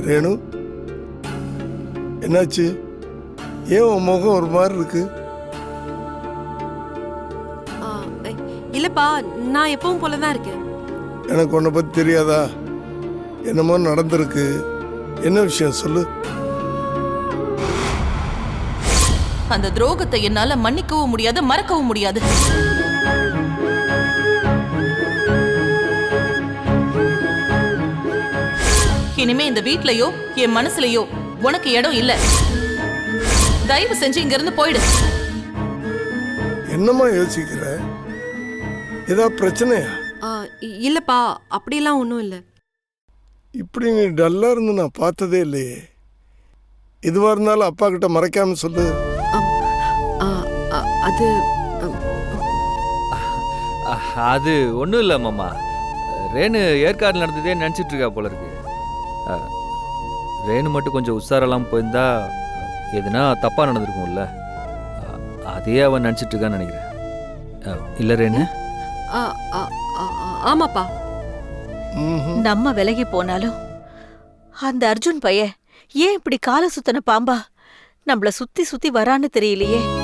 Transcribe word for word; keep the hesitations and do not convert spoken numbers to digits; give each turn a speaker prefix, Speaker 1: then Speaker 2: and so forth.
Speaker 1: ரேணு, என்னாச்சு? ஏன் உன் முகம் ஒரு மாதிரி இருக்கு?
Speaker 2: இல்லப்பா, நான் எப்பவும் போலதான் இருக்கேன்.
Speaker 1: எனக்கு உன்னை பத்தி தெரியாதா? என்னமோ நடந்திருக்கு. என்ன விஷயம் சொல்லு.
Speaker 3: அந்த துரோகத்தை என்னால மன்னிக்கவும் முடியாது, மறக்கவும் முடியாது. இனிமே இந்த வீட்லயோ என் மனசுலயோ உனக்கு இடம் இல்ல. தயவு செஞ்சு இங்க இருந்து போயிடு.
Speaker 1: என்னமா யோசிக்கிற? ஏதாவது பிரச்சனையா?
Speaker 2: இல்லப்பா, அப்படியெல்லாம் ஒன்றும் இல்லை.
Speaker 1: இப்படி நீ டல்லா இருந்து நான் பார்த்ததே இல்லையே. இதுவா இருந்தாலும் அப்பா கிட்ட மறைக்காம சொல்லு.
Speaker 2: அது
Speaker 4: அது ஒன்றும் இல்லை மாமா. ரேணு ஏற்காடு நடந்ததே நினச்சிட்டு இருக்கா போல இருக்கு. ரேணு மட்டும் கொஞ்சம் உஷாரெல்லாம் போயிருந்தா எதுனா தப்பாக நடந்திருக்கும்ல. அதே அவன் நினச்சிட்டு இருக்கான்னு நினைக்கிறேன். இல்லை ரேணு?
Speaker 2: ஆமாப்பா.
Speaker 5: நம்ம விலகி போனாலும் அந்த அர்ஜுன் பையன் ஏன் இப்படி கால சுத்தன பாம்பா நம்மள சுத்தி சுத்தி வரான்னு தெரியலையே.